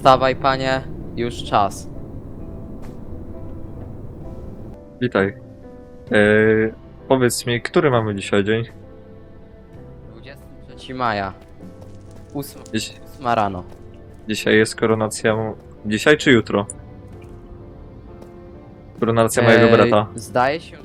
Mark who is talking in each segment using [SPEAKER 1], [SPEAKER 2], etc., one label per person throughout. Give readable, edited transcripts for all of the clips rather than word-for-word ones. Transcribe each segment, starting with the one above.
[SPEAKER 1] Wstawaj, panie, już czas.
[SPEAKER 2] Witaj. Powiedz mi, który mamy dzisiaj dzień?
[SPEAKER 1] 23 maja. 8
[SPEAKER 2] Dziś,
[SPEAKER 1] rano.
[SPEAKER 2] dzisiaj jest koronacja... Dzisiaj czy jutro? Koronacja mojego brata.
[SPEAKER 1] Zdaje się.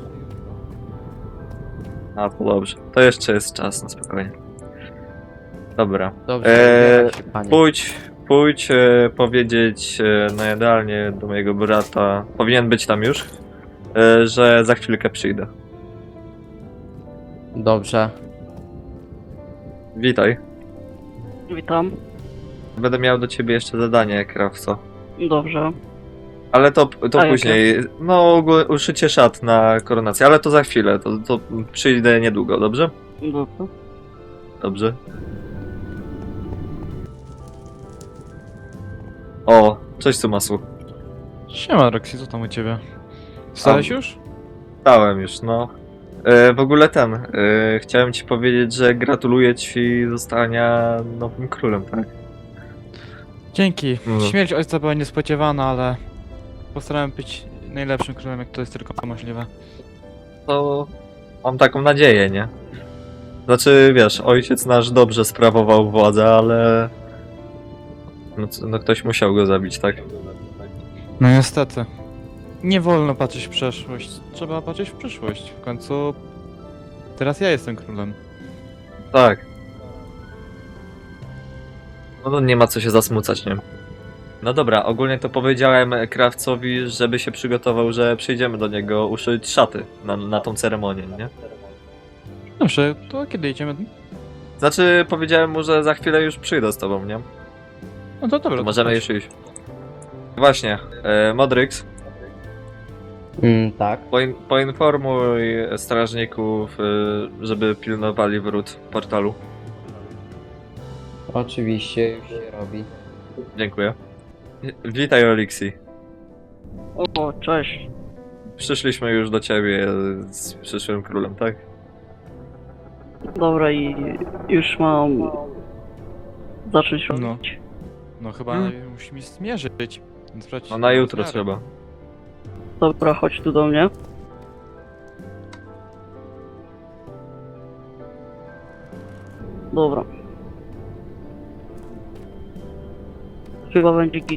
[SPEAKER 2] A, to dobrze. To jeszcze jest czas, na spokojnie. Dobra.
[SPEAKER 1] Dobrze, ubieraj się, panie.
[SPEAKER 2] Pójdź powiedzieć na jadalnię do mojego brata. Powinien być tam już. Że za chwilkę przyjdę.
[SPEAKER 1] Dobrze.
[SPEAKER 2] Witaj.
[SPEAKER 3] Witam.
[SPEAKER 2] Będę miał do ciebie jeszcze zadanie, krawco.
[SPEAKER 3] Dobrze.
[SPEAKER 2] Ale to
[SPEAKER 3] A
[SPEAKER 2] później. No, uszycie szat na koronację, ale to za chwilę. To przyjdę niedługo, dobrze?
[SPEAKER 3] Dobrze.
[SPEAKER 2] Dobrze. O, cześć Sumasu.
[SPEAKER 4] Siema Roxy, co tam u ciebie? Wstałeś już?
[SPEAKER 2] Stałem już, no. W ogóle chciałem ci powiedzieć, że gratuluję ci zostania nowym królem, tak?
[SPEAKER 4] Dzięki.
[SPEAKER 2] No.
[SPEAKER 4] Śmierć ojca była niespodziewana, ale postarałem być najlepszym królem, jak to jest tylko możliwe.
[SPEAKER 2] To mam taką nadzieję, nie? Znaczy, wiesz, ojciec nasz dobrze sprawował władzę, ale... No ktoś musiał go zabić, tak?
[SPEAKER 4] No niestety. Nie wolno patrzeć w przeszłość, trzeba patrzeć w przyszłość. W końcu teraz ja jestem królem.
[SPEAKER 2] Tak. No to nie ma co się zasmucać, nie? No dobra, ogólnie to powiedziałem krawcowi, żeby się przygotował, że przyjdziemy do niego uszyć szaty na tą ceremonię, nie?
[SPEAKER 4] Dobrze, to kiedy jedziemy?
[SPEAKER 2] Znaczy, powiedziałem mu, że za chwilę już przyjdę z tobą, nie?
[SPEAKER 4] No to dobra.
[SPEAKER 2] To możemy już iść. Właśnie, Modryx,
[SPEAKER 1] Tak.
[SPEAKER 2] poinformuj strażników, żeby pilnowali wrót portalu.
[SPEAKER 1] Oczywiście, już się robi.
[SPEAKER 2] Dziękuję. Witaj, Olixi.
[SPEAKER 3] O, cześć.
[SPEAKER 2] Przyszliśmy już do ciebie z przyszłym królem, tak?
[SPEAKER 3] Dobra, i już mam zacząć robić.
[SPEAKER 4] No chyba musimy zmierzyć. Więc brać
[SPEAKER 2] No na jutro
[SPEAKER 4] rozmiary.
[SPEAKER 2] trzeba.
[SPEAKER 3] Dobra, chodź tu do mnie. Dobra. Chyba będzie git.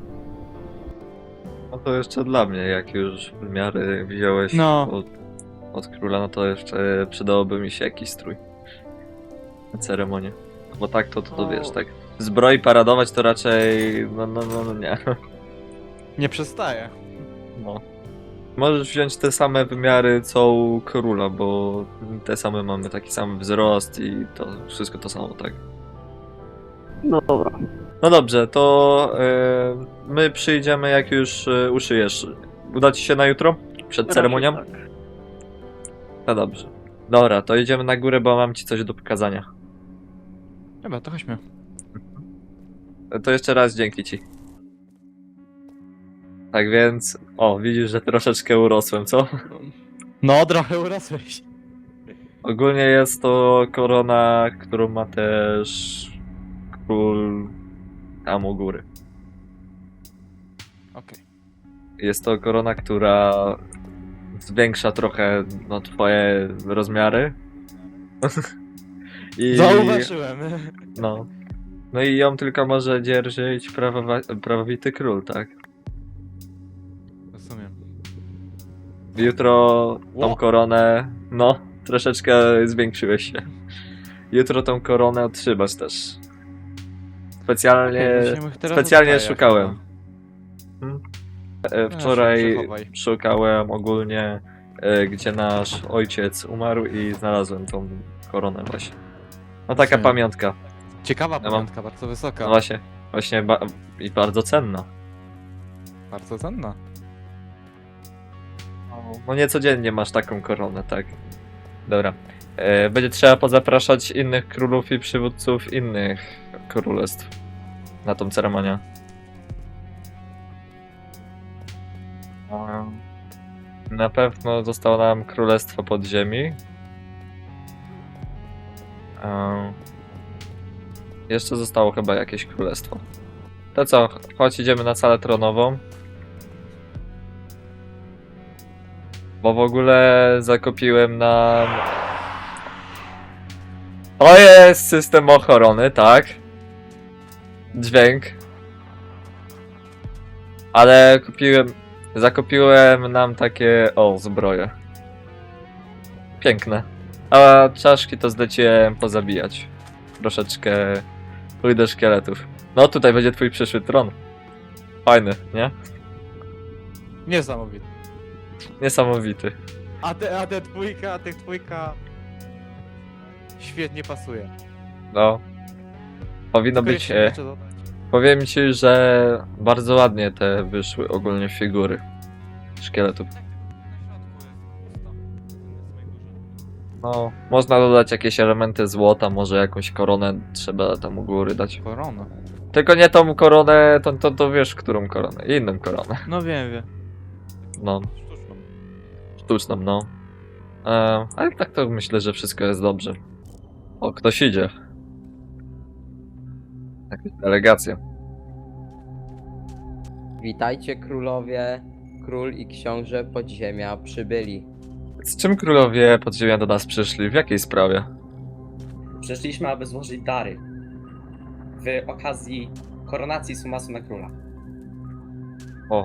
[SPEAKER 2] No to jeszcze dla mnie, jak już wymiary wziąłeś
[SPEAKER 4] No.
[SPEAKER 2] od króla, no to jeszcze przydałoby mi się jakiś strój na ceremonię. Bo tak to wiesz, tak. Zbroi paradować to raczej, no nie.
[SPEAKER 4] Nie przestaję.
[SPEAKER 2] No. Możesz wziąć te same wymiary co u króla, bo te same mamy taki sam wzrost i to wszystko to samo, tak.
[SPEAKER 3] Dobra.
[SPEAKER 2] No dobrze, to my przyjdziemy jak już uszyjesz. Uda ci się na jutro? Przed ceremonią?
[SPEAKER 3] Raczej tak.
[SPEAKER 2] No dobrze. Dobra, to idziemy na górę, bo mam ci coś do pokazania.
[SPEAKER 4] Dobra, to chodźmy.
[SPEAKER 2] To jeszcze raz dzięki ci. Tak więc... O, widzisz, że troszeczkę urosłem, co?
[SPEAKER 4] No, trochę urosłeś.
[SPEAKER 2] Ogólnie jest to korona, którą ma też król tam u góry.
[SPEAKER 4] Okej.
[SPEAKER 2] Jest to korona, która zwiększa trochę no, twoje rozmiary. I
[SPEAKER 4] Zauważyłem.
[SPEAKER 2] no. No i ją tylko może dzierżyć prawowity król, tak?
[SPEAKER 4] Rozumiem.
[SPEAKER 2] Jutro tą
[SPEAKER 4] Ło.
[SPEAKER 2] koronę, no, troszeczkę zwiększyłeś się. Jutro tą koronę otrzymasz też. Specjalnie szukałem. Wczoraj szukałem ogólnie, gdzie nasz ojciec umarł i znalazłem tą koronę właśnie. No taka
[SPEAKER 4] Rozumiem.
[SPEAKER 2] pamiątka.
[SPEAKER 4] Ciekawa
[SPEAKER 2] mam-
[SPEAKER 4] pamiątka, bardzo wysoka.
[SPEAKER 2] No właśnie i bardzo cenna.
[SPEAKER 4] Bardzo cenna.
[SPEAKER 2] No niecodziennie masz taką koronę, tak. Dobra. Będzie trzeba pozapraszać innych królów i przywódców innych królestw na tą ceremonię. Na pewno zostało nam Królestwo Podziemi. Jeszcze zostało chyba jakieś królestwo. To co, chodź idziemy na salę tronową. Bo w ogóle zakupiłem nam... To jest system ochrony, tak. Dźwięk. Ale zakupiłem nam takie, zbroje. Piękne. A czaszki to zleciłem pozabijać. Troszeczkę pójdę szkieletów. No tutaj będzie twój przyszły tron. Fajny, nie?
[SPEAKER 4] Niesamowite.
[SPEAKER 2] Niesamowity.
[SPEAKER 4] A te dwójka... Świetnie pasuje.
[SPEAKER 2] No. Powinno
[SPEAKER 4] Tylko
[SPEAKER 2] być...
[SPEAKER 4] jeszcze jeszcze dodać.
[SPEAKER 2] Powiem ci, że bardzo ładnie te wyszły ogólnie figury szkieletów. No, można dodać jakieś elementy złota, może jakąś koronę trzeba tam u góry dać.
[SPEAKER 4] Korona.
[SPEAKER 2] Tylko nie tą koronę, to wiesz, którą koronę. Inną koronę.
[SPEAKER 4] No wiem.
[SPEAKER 2] No,
[SPEAKER 4] Sztuczną.
[SPEAKER 2] sztuczną, no. Ale tak to myślę, że wszystko jest dobrze. O, ktoś idzie. Jakaś delegacja.
[SPEAKER 1] Witajcie królowie, król i książę podziemia przybyli.
[SPEAKER 2] Z czym królowie podziemia do nas przyszli? W jakiej sprawie?
[SPEAKER 5] Przyszliśmy, aby złożyć dary w okazji koronacji Sumasu na króla.
[SPEAKER 2] O.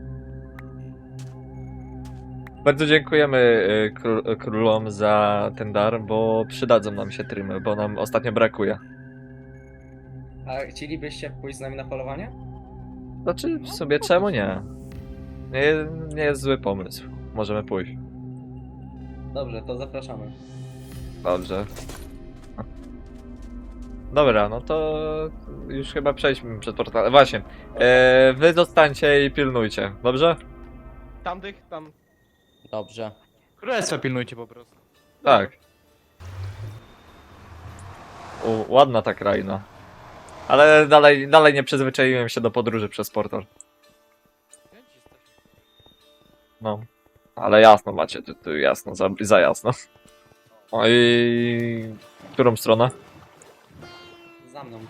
[SPEAKER 2] Bardzo dziękujemy królom za ten dar, bo przydadzą nam się trymy, bo nam ostatnio brakuje.
[SPEAKER 5] A chcielibyście pójść z nami na polowanie?
[SPEAKER 2] Znaczy, w sobie czemu nie? Nie jest zły pomysł. Możemy pójść.
[SPEAKER 5] Dobrze, to zapraszamy.
[SPEAKER 2] Dobrze. Dobra, no to już chyba przejdźmy przed portalem. Właśnie, wy zostańcie i pilnujcie, dobrze?
[SPEAKER 4] Tam.
[SPEAKER 1] Dobrze.
[SPEAKER 4] Królestwa pilnujcie po prostu.
[SPEAKER 2] Tak. Ładna ta kraina. Ale dalej nie przyzwyczaiłem się do podróży przez portal. No. Ale jasno macie, tu jasno, za jasno. O i... którą stronę?
[SPEAKER 5] Za mną.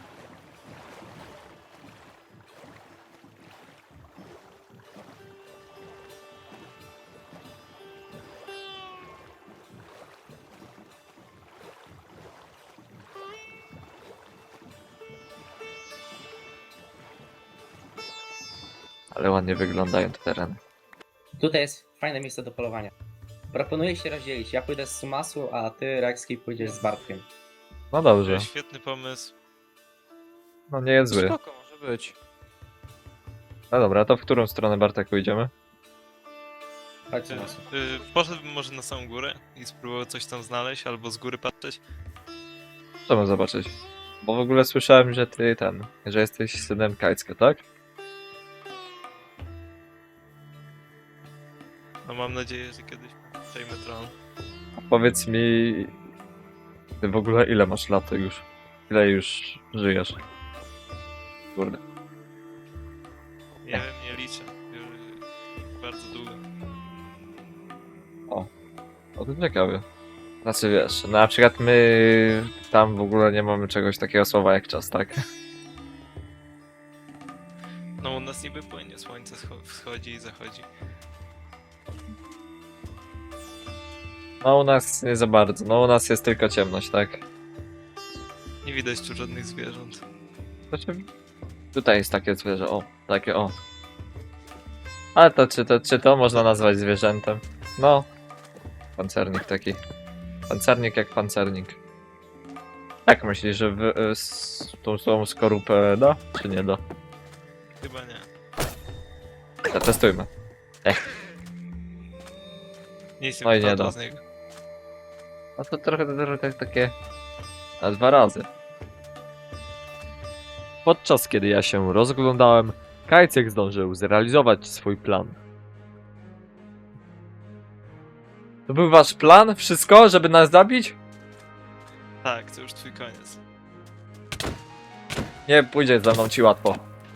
[SPEAKER 2] Ale ładnie wyglądają te tereny.
[SPEAKER 5] Tutaj jest fajne miejsce do polowania. Proponuję się rozdzielić. Ja pójdę z Sumasu, a ty, Rexki, pójdziesz z Bartkiem.
[SPEAKER 2] No dobrze.
[SPEAKER 6] Świetny pomysł.
[SPEAKER 2] No nie jest zły.
[SPEAKER 4] Spoko, może być.
[SPEAKER 2] No dobra, to w którą stronę, Bartek, pójdziemy?
[SPEAKER 5] Chodź, Sumasu.
[SPEAKER 6] Poszedłbym może na samą górę i spróbował coś tam znaleźć, albo z góry patrzeć.
[SPEAKER 2] Chcemy zobaczyć. Bo w ogóle słyszałem, że że jesteś synem Kajcka, tak?
[SPEAKER 6] No mam nadzieję, że kiedyś przejmę tron.
[SPEAKER 2] A powiedz mi... Ty w ogóle ile masz lat już? Ile już żyjesz? Kurde.
[SPEAKER 6] Nie wiem, nie liczę. Już bardzo długo.
[SPEAKER 2] O, to ciekawe. Znaczy wiesz, na przykład my tam w ogóle nie mamy czegoś takiego słowa jak czas, tak?
[SPEAKER 6] No u nas niby płynie, słońce wschodzi i zachodzi.
[SPEAKER 2] No u nas nie za bardzo, no u nas jest tylko ciemność, tak?
[SPEAKER 6] Nie widać tu żadnych zwierząt.
[SPEAKER 2] Znaczy, tutaj jest takie zwierzę, o, takie o. Ale to czy to można nazwać zwierzętem? No. Pancernik taki. Pancernik jak pancernik. Jak myślisz, że tą słową skorupę da, czy nie da?
[SPEAKER 6] Chyba nie.
[SPEAKER 2] Zatestujmy.
[SPEAKER 6] Nic
[SPEAKER 2] No i
[SPEAKER 6] nie
[SPEAKER 2] nie
[SPEAKER 6] wypadło
[SPEAKER 2] da.
[SPEAKER 6] z niego.
[SPEAKER 2] A to trochę takie... na 2 razy. Podczas kiedy ja się rozglądałem, Kajcek zdążył zrealizować swój plan. To był wasz plan? Wszystko? Żeby nas zabić?
[SPEAKER 6] Tak, to już twój koniec.
[SPEAKER 2] Nie pójdzie za mną ci łatwo.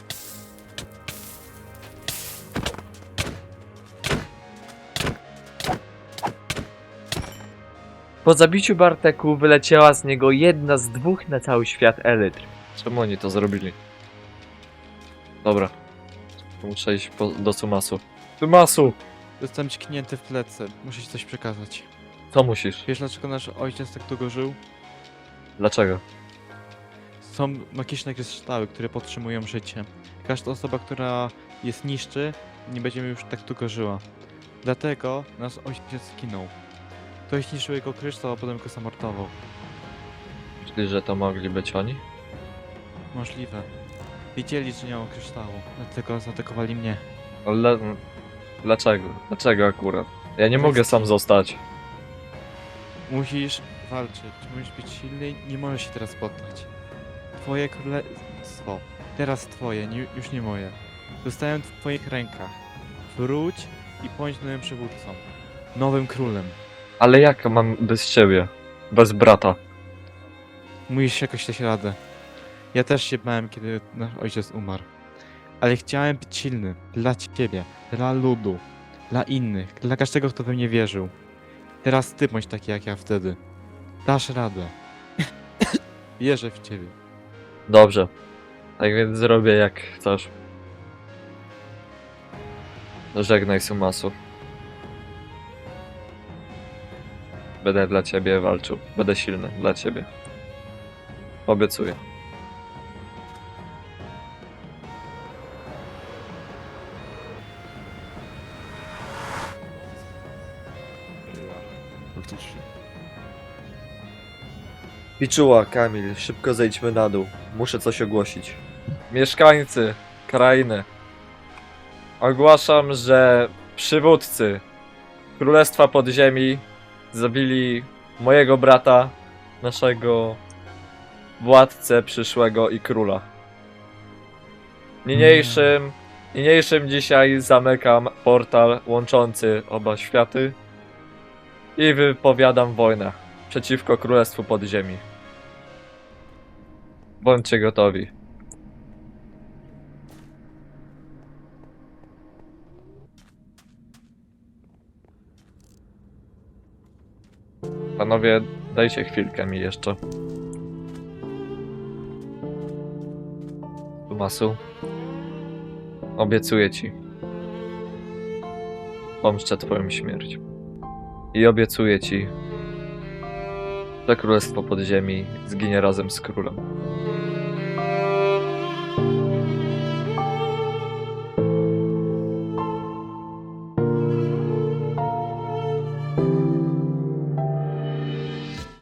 [SPEAKER 2] Po zabiciu Barteku wyleciała z niego jedna z 2 na cały świat elytr. Czemu oni to zrobili? Dobra. Muszę iść do Sumasu. Sumasu!
[SPEAKER 4] Zostałem tknięty w plecy. Muszę ci coś przekazać.
[SPEAKER 2] Co musisz?
[SPEAKER 4] Wiesz dlaczego nasz ojciec tak długo żył?
[SPEAKER 2] Dlaczego?
[SPEAKER 4] Są magiczne kryształy, które podtrzymują życie. Każda osoba, która je niszczy, nie będzie już tak długo żyła. Dlatego nasz ojciec zginął. Ktoś zniszczył jego kryształ, a potem go zamordował.
[SPEAKER 2] Myślisz, że to mogli być oni?
[SPEAKER 4] Możliwe. Wiedzieli, że nie mam kryształu, dlatego zaatakowali mnie.
[SPEAKER 2] Ale... Dlaczego? Dlaczego akurat? Ja nie mogę sam zostać.
[SPEAKER 4] Musisz walczyć, musisz być silny, nie możesz się teraz poddać. Twoje królestwo, teraz twoje, już nie moje. Zostałem w twoich rękach. Wróć i bądź nowym przywódcą. Nowym królem.
[SPEAKER 2] Ale jak mam bez ciebie? Bez brata?
[SPEAKER 4] Musisz jakoś dać radę. Ja też się bałem, kiedy nasz ojciec umarł. Ale chciałem być silny. Dla ciebie, dla ludu, dla innych, dla każdego, kto we mnie wierzył. Teraz ty bądź taki jak ja wtedy. Dasz radę. Wierzę w ciebie.
[SPEAKER 2] Dobrze. Tak więc zrobię jak chcesz. Żegnaj Sumasu. Będę dla ciebie walczył. Będę silny dla ciebie. Obiecuję.
[SPEAKER 7] Faktycznie.
[SPEAKER 8] Piczuła, Kamil, szybko zejdźmy na dół. Muszę coś ogłosić.
[SPEAKER 2] Mieszkańcy krainy. Ogłaszam, że przywódcy Królestwa Podziemi zabili mojego brata, naszego władcę przyszłego i króla. Niniejszym dzisiaj zamykam portal łączący oba światy i wypowiadam wojnę przeciwko Królestwu Podziemi. Bądźcie gotowi. Panowie, dajcie chwilkę mi jeszcze. Sumasu, obiecuję ci. Pomszczę twoją śmierć. I obiecuję ci, że Królestwo Podziemi zginie razem z królem.